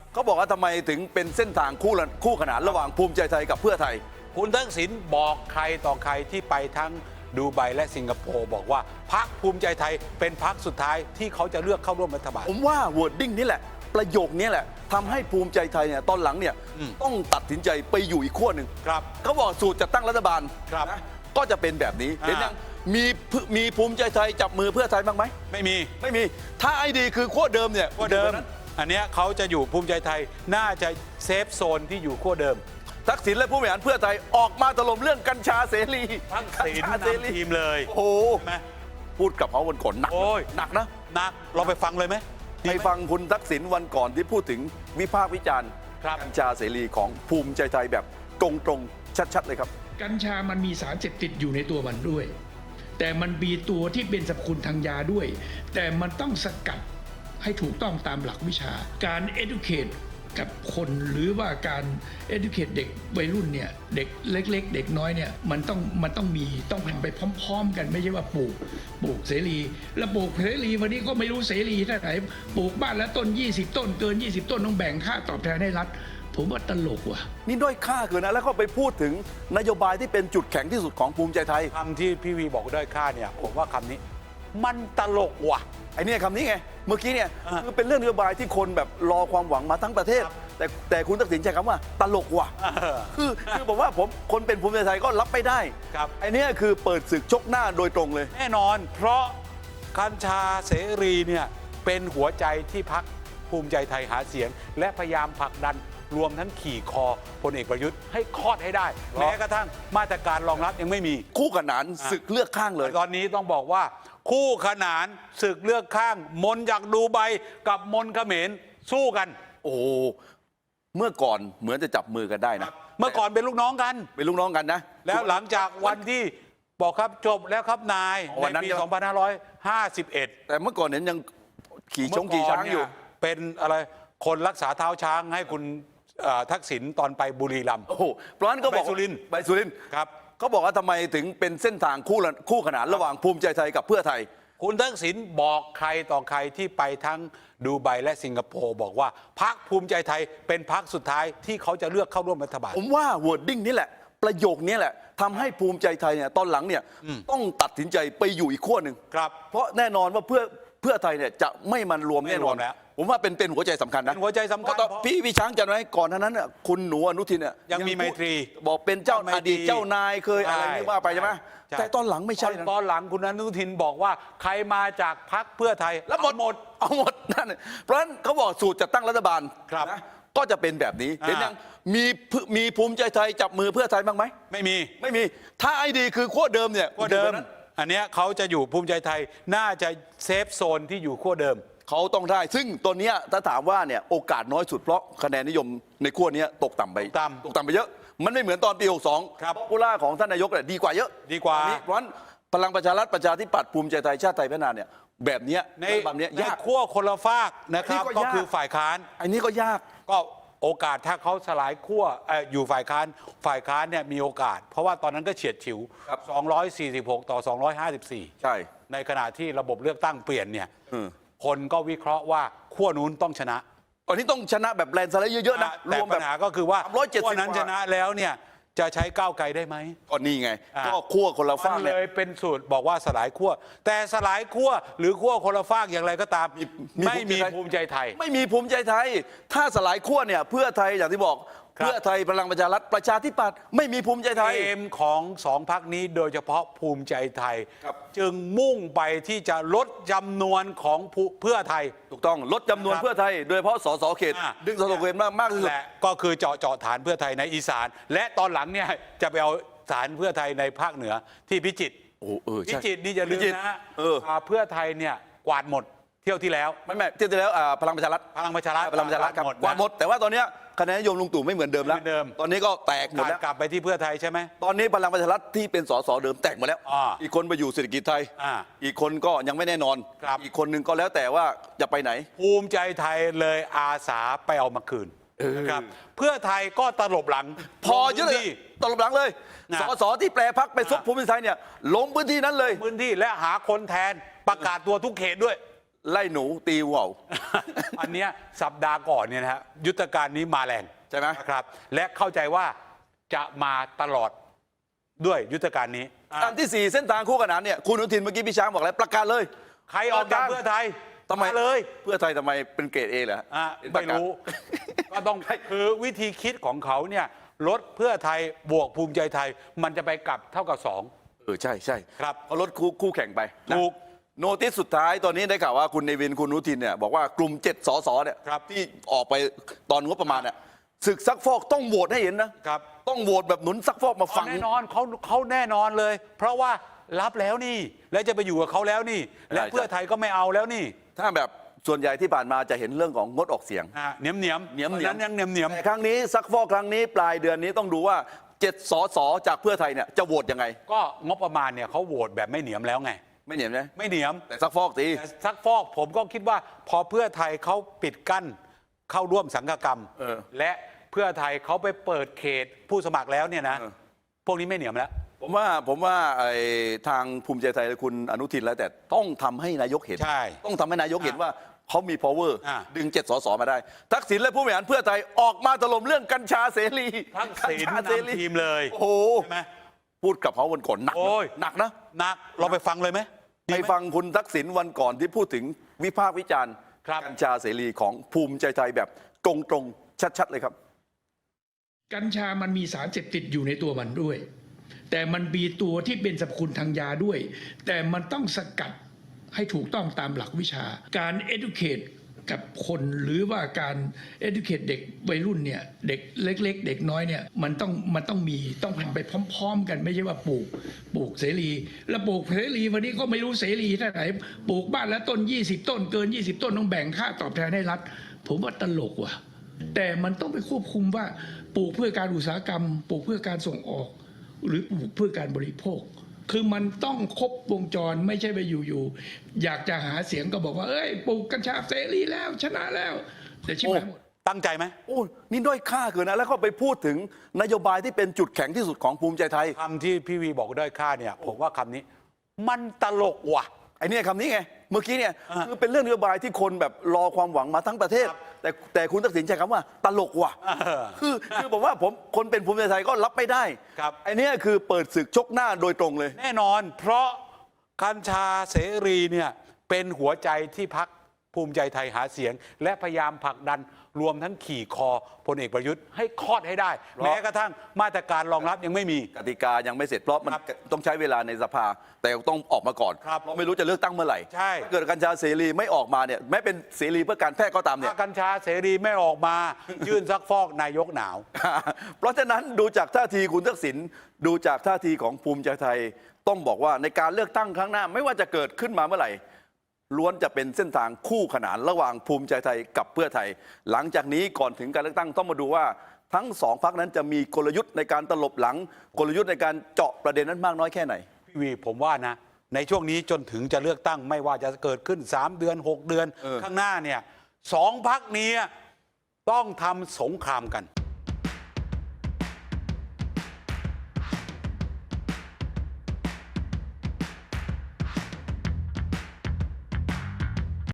เขาบอกว่าทำไมถึงเป็นเส้นทางคู่ขนานระหว่างภูมิใจไทยกับเพื่อไทยคุณทักษิณบอกใครต่อใครที่ไปทั้งดูไบและสิงคโปร์บอกว่าพรรคภูมิใจไทยเป็นพรรคสุดท้ายที่เขาจะเลือกเข้าร่วมรัฐบาลผมว่า wording นี่แหละประโยคนี้แหละทำให้ภูมิใจไทยเนี่ยตอนหลังเนี่ยต้องตัดสินใจไปอยู่อีกขั้วหนึ่งครับเขาบอกสูตรจะตั้งรัฐบาลนะก็จะเป็นแบบนี้เห็นยังมีภูมิใจไทยจับมือเพื่อไทยบ้างไหมไม่มีถ้าไอ้ดีคือขั้วเดิมเนี่ยขั้วเดิมอันเนี้ยเขาจะอยู่ภูมิใจไทยน่าจะเซฟโซนที่อยู่ขั้วเดิมทักษิณและผู้บริหารเพื่อไทยออกมาถล่มเรื่องกัญชาเสรีทักษิณนำทีมเลยโอ้โหพูดกับเขาวันก่อนหนักนะหนักเราไปฟังเลยไหมไปฟังคุณทักษิณวันก่อนที่พูดถึงวิพากษ์วิจารณ์กัญชาเสรีของภูมิใจไทยแบบตรงๆชัดๆเลยครับกัญชามันมีสารเสพติดอยู่ในตัวมันด้วยแต่มันมีตัวที่เป็นสรรพคุณทางยาด้วยแต่มันต้องสกัดให้ถูกต้องตามหลักวิชาการ educate กับคนหรือว่าการ educate เด็กวัยรุ่นเนี่ยเด็กเล็กๆเด็กน้อยเนี่ยมันต้องมีต้องทำไปพร้อมๆกันไม่ใช่ว่าปลูกเสรีแล้วปลูกเสรีวันนี้ก็ไม่รู้เสรีเท่าไหร่ปลูกบ้านแล้วต้น20ต้นเกิน20ต้นต้องแบ่งค่าตอบแทนให้รัฐผมว่าตลกว่ะนี่ด้อยค่าเกินนะแล้วก็ไปพูดถึงนโยบายที่เป็นจุดแข็งที่สุดของภูมิใจไทยคำที่พี่วีบอกด้อยค่าเนี่ยผมว่าคำนี้มันตลกว่ะไอ้นี่คำนี้ไงเมื่อกี้เนี่ยคือเป็นเรื่องนโยบายที่คนแบบรอความหวังมาทั้งประเทศแต่คุณทักษิณใช้คำว่าตลกว่ะคือผมว่าคนเป็นภูมิใจไทยก็รับไม่ได้ไอ้นี่คือเปิดศึกชกหน้าโดยตรงเลยแน่นอนเพราะกัญชาเสรีเนี่ยเป็นหัวใจที่พรรคภูมิใจไทยหาเสียงและพยายามผลักดันรวมทั้งขี่คอพลเอกประยุทธ์ให้คลอดให้ได้แม้กระทั่งมาตรการรองรับยังไม่มีคู่ขนานศึกเลือกข้างเลยตอนนี้ต้องบอกว่าคู่ขนานศึกเลือกข้างมนจากดูไบกับมนเขมรสู้กันโอ้เมื่อก่อนเหมือนจะจับมือกันได้นะเมื่อก่อนเป็นลูกน้องกันนะแล้วหลังจากวันที่บอกครับจบแล้วครับนายในปี 2551 แต่เมื่อก่อนเนี่ยยังขี่ช้างอยู่เป็นอะไรคนรักษาเท้าช้างให้คุณทักษิณตอนไปบุรีรัมย์เพราะนั้นก็บอกไปสุรินทร์ครับเขาบอกว่าทำไมถึงเป็นเส้นทางคู่ขนานระหว่างภูมิใจไทยกับเพื่อไทยคุณทักษิณบอกใครต่อใครที่ไปทั้งดูไบและสิงคโปร์บอกว่าพรรคภูมิใจไทยเป็นพรรคสุดท้ายที่เขาจะเลือกเข้าร่วมรัฐบาลผมว่า wording นี่แหละประโยคนี้แหละทำให้ภูมิใจไทยเนี่ยตอนหลังเนี่ยต้องตัดสินใจไปอยู่อีกขั้วหนึ่งเพราะแน่นอนว่าเพื่อไทยเนี่ยจะไม่มันรวมแน่นอนแล้วผมว่าเป็นหัวใจสำคัญนะหัวใจสำคัญพี่ช้างจำไว้ก่อนนั้นน่ะคุณหนูอนุทินเนี่ยยังมีไมตรีบอกเป็นเจ้าอดีตเจ้านายเคยอะไรนี่ว่าไปใช่ไหมแต่ตอนหลังไม่ใช่ตอนหลังคุณอนุทินบอกว่าใครมาจากพรรคเพื่อไทยแล้วหมดเอาหมดนั่นเพราะฉะนั้นเขาบอกสูตรจะตั้งรัฐบาลนะก็จะเป็นแบบนี้เห็นยังมีภูมิใจไทยจับมือเพื่อไทยบ้างไหมไม่มีถ้าไอ้ดีคือขั้วเดิมเนี่ยขั้วเดิมอันเนี้ยเขาจะอยู่ภูมิใจไทยน่าจะเซฟโซนที่อยู่ขั้วเดิมเขาต้องได้ซึ่งตัวนี้ถ้าถามว่าเนี่ยโอกาสน้อยสุดเพราะคะแนนนิยมในขั้วนี้ตกต่ำไปเยอะมันไม่เหมือนตอนปี62 ครับผู้ล่าของท่านนายกเนี่ยดีกว่าเยอะดีกว่าเพราะฉะนั้นพลังประชารัฐประชาธิปัตย์ภูมิใจไทยชาติไทยพัฒนาเนี่ยแบบนี้ยากขั้วคนละฝากนะครับก็คือฝ่ายค้านอันนี้ก็ยากก็โอกาสถ้าเขาสลายขั้วอยู่ฝ่ายค้านเนี่ยมีโอกาสเพราะว่าตอนนั้นก็เฉียดฉิว246 ต่อ 254 ใช่ในขณะที่ระบบเลือกตั้งเปลี่ยนเนี่ยคนก็วิเคราะห์ว่าขั้วนู้นต้องชนะตอนนี้ต้องชนะแบบแลนด์สไลด์เยอะๆนะแต่ปัญหาก็คือว่าขั้วนั้นชนะแล้วเนี่ยจะใช้ก้าวไกลได้ไหมก็นี่ไงก็ขั้วคนละฝากเลยเป็นสูตรบอกว่าสลายขั้วแต่สลายขั้วหรือขั้วคนละฝากอย่างไรก็ตามไม่มีภูมิใจไทยไม่มีภูมิใจไทยถ้าสลายขั้วเนี่ยเพื่อไทยอย่างที่บอกเพื่อไทยพลังประชารัฐประชาธิปัตย์ไม่มีภูมิใจไทยเกมของสองพรรคนี้โดยเฉพาะภูมิใจไทยจึงมุ่งไปที่จะลดจำนวนของเพื่อไทยถูกต้องลดจำนวนเพื่อไทยโดยเฉพาะสสเขตดึงสสเขตมากที่สุดและก็คือเจาะฐานเพื่อไทยในอีสานและตอนหลังเนี่ยจะไปเอาฐานเพื่อไทยในภาคเหนือที่พิจิตรพิจิตรนี่จะลืมนะเพื่อไทยเนี่ยกวาดหมดเที่ยวที่แล้วไม่เที่ยวที่แล้วพลังประชารัฐกวาดหมดแต่ว่าตอนนี้คะแนนนิยมลุงตู่ไม่เหมือนเดิมแล้วตอนนี้ก็แตกหมดแล้วกลับไปที่เพื่อไทยใช่ไหมตอนนี้พลังประชารัฐที่เป็นสสเดิมแตกหมดแล้วอีกคนไปอยู่เศรษฐกิจไทยอีกคนก็ยังไม่แน่นอนอีกคนนึงก็แล้วแต่ว่าจะไปไหนภูมิใจไทยเลยอาสาไปเอามาคืนครับเพื่อไทยก็ตลบหลังพอเยอะเลยตลบหลังเลยสสที่แปรพักไปซุกภูมิใจไทยเนี่ยลงพื้นที่นั้นเลยพื้นที่และหาคนแทนประกาศตัวทุกเขตด้วยไล่หนูตีว่าวอันเนี้ยสัปดาห์ก่อนเนี่ยนะฮะยุทธการนี้มาแรงใช่ไหมนะครับ และเข้าใจว่าจะมาตลอดด้วยยุทธการนี้อันที่ 4 เส้นทางคู่ขนานเนี่ยคุณอนุทินเมื่อกี้พี่ช้างบอกแล้วประกาศเลยใครออกจากเพื่อไทยทำไมาเลยเพื่อไทยทำไมเป็นเกรดเอเหรอไม่รู้ ก็ต้องคือวิธีคิดของเขาเนี่ยลดเพื่อไทยบวกภูมิใจไทย มันจะไปกลับเท่ากับ2 ใช่ใช่ครับเขาลดคู่แข่งไปนะถูกโนติสสุดท้ายตอนนี้ได้ข่าวว่าคุณเนวินคุณอนุทินเนี่ยบอกว่ากลุ่ม7 สสเนี่ยครับที่ออกไปตอนงบประมาณเนี่ยศึกซักฟอกต้องโหวตให้เห็นนะครับ ต้องโหวตแบบหนุนซักฟอกมาฟังแน่นอนเขาแน่นอนเลย เพราะว่ารับแล้วนี่ แล้วจะไปอยู่กับเขาแล้วนี่ และเพื่อไทยก็ไม่เอาแล้วนี่ถ้าแบบส่วนใหญ่ที่ผ่านมาจะเห็นเรื่องของงดออกเสียงเหนียมเหนียมเหนียมๆนั้นยังเหนียมเหนียมแต่ครั้งนี้ซักฟอกครั้งนี้ปลายเดือนนี้ต้องดูว่า7 สสจากเพื่อไทยเนี่ยจะโหวตยังไงก็งบประมาณเนี่ยเขาโหวตแบบไม่เหนียมแล้วไงไม่เหนียมนะไม่เหนียมแต่ซักฟอกสิแต่ซักฟอกผมก็คิดว่าพอเพื่อไทยเขาปิดกั้นเข้าร่วมสังฆกรรม และเพื่อไทยเขาไปเปิดเขตผู้สมัครแล้วเนี่ยนะ พวกนี้ไม่เหนียมแล้วผมว่าไอ้ทางภูมิใจไทยคุณอนุทินแล้วแต่ต้องทำให้นายกเห็นใช่ต้องทำให้นายกเห็นว่าเขามี power ดึง7 สสมาได้ ทักษิณและผู้บริหารเพื่อไทยออกมาถล่มเรื่องกัญชาเสรีทักษิณกัญชาเสรีนำทีมเลยโอ้โหใช่ไหมพูดกับเขาวันก่อนหนักโอ้ยหนักนะหนักเราไปฟังเลยไหมดีไปไหมฟังคุณทักษิณวันก่อนที่พูดถึงวิพากษ์วิจารณ์ครับกัญชาเสรีของภูมิใจไทยแบบตรงๆชัดๆเลยครับกัญชามันมีสารเสพติดอยู่ในตัวมันด้วย แต่มันมีตัวที่เป็นสรรพคุณทางยาด้วย แต่มันต้องสกัดให้ถูกต้องตามหลักวิชา การ educate กับคนหรือว่าการ educate เด็กวัยรุ่นเนี่ยเด็กเล็กๆ เด็กน้อยเนี่ยมันต้องมีต้องทำไปพร้อมๆ กันไม่ใช่ว่าปลูกเสรี แล้วปลูกเสรีวันนี้ก็ไม่รู้เสรีเท่าไหนปลูกบ้านละต้น20 ต้นเกิน20 ต้นต้องแบ่งค่าตอบแทนให้รัฐผมว่าตลกว่ะแต่มันต้องไปควบคุมว่าปลูกเพื่อการอุตสาหกรรมปลูกเพื่อการส่งออก หรือปลูกเพื่อการบริโภค คือมันต้องครบวงจรไม่ใช่ไปอยู่ๆอยากจะหาเสียงก็บอกว่าเอ้ยปลูกกัญชาเสรีแล้วชนะแล้วแต่ชิบหายหมดตั้งใจไหมโอ้นี่ด้อยค่าเกินนะ แล้วก็ไปพูดถึงนโยบายที่เป็นจุดแข็งที่สุดของภูมิใจไทยคำที่พี่วีบอกด้อยค่าเนี่ยผมว่าคำนี้ มันตลกว่ะไอ้เนี่ยคำนี้ไง เมื่อกี้เนี่ยคือเป็นเรื่องนโยบายที่คนแบบรอความหวังมาทั้งประเทศ แต่คุณทักษิณใช้คำว่าตลกว่ะคือผมว่าคนเป็นภูมิใจไทยก็รับไม่ได้ครับไอ้เนี่ยคือเปิดศึกชกหน้าโดยตรงเลยแน่นอน เพราะกัญชาเสรีเนี่ยเป็นหัวใจที่พักภูมิใจไทยหาเสียง และพยายามผลักดันรวมทั้งขี่คอพลเอกประยุทธ์ให้คลอดให้ได้ แม้กระทั่งมาตรการรองรับยังไม่มีกติกายังไม่เสร็จเพราะมันครับต้องใช้เวลาในสภา แต่ต้องออกมาก่อนครับเพราะไม่รู้จะเลือกตั้งเมื่อไหร่ใช่ถ้าเกิดกัญชาเสรีไม่ออกมาเนี่ยแม้เป็นเสรีเพื่อการแพทย์ก็ตามเนี่ยถ้ากัญชาเสรีไม่ออกมา ยื่นซักฟอกนายกหนาวเพราะฉะนั้นดูจากท่าทีคุณทักษิณดูจากท่าทีของภูมิใจไทย ต้องบอกว่าในการเลือกตั้งครั้งหน้าไม่ว่าจะเกิดขึ้นมาเมื่อไหร่ล้วนจะเป็นเส้นทางคู่ขนานระหว่างภูมิใจไทยกับเพื่อไทย หลังจากนี้ก่อนถึงการเลือกตั้งต้องมาดูว่าทั้งสองพรรคนั้นจะมีกลยุทธ์ในการตลบหลัง กลยุทธ์ในการเจาะประเด็นนั้นมากน้อยแค่ไหนพี่วีผมว่านะ ในช่วงนี้จนถึงจะเลือกตั้งไม่ว่าจะเกิดขึ้น 3 เดือน 6 เดือน ข้างหน้าเนี่ย2 พรรคนี้ต้องทำสงครามกัน